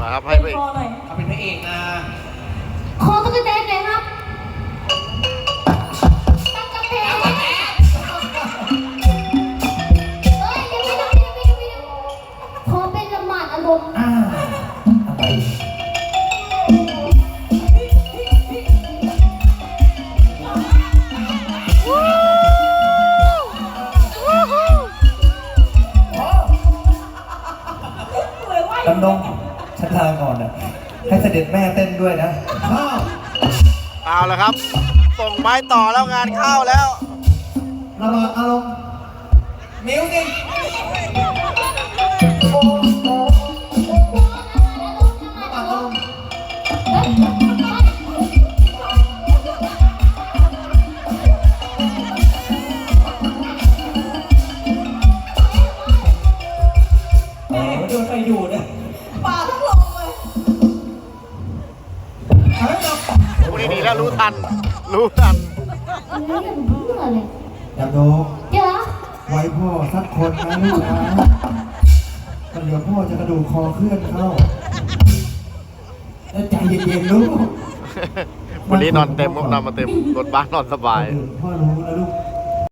มาครับให้ไปคอหน่อยเขาเป็นพระเอกนะขอตุ๊กแตนหน่อยครับตั๊กกะแตนเฮ้ยเดี๋ยวขอเป็นละหมาดอารมณ์อะไรเหมือนว่าดำดงฉันลาก่อนนะให้เสด็จแม่เต้นด้วยนะเอาละครับ ส่งไม้ต่อแล้วงานเข้าแล้วระวังอารมณ์มิวสิกระวังอารมณ์แหมโดนไฟดูดนะปากทั้งลงเลยพวกนี้ดีแล้วรู้ทัน รู้ทันเฮ้ยมันเบื่อเลยดำดงเดี๋ยวไว้พ่อสักคนนะลูกนะเดี๋ยวพ่อจะกระดูกคอเคลื่อนเข้าแล้วใจเย็นๆลูกวันนี้นอนเต็มพวกนอนมาเต็มรถบ้านนอนสบายพ่อรู้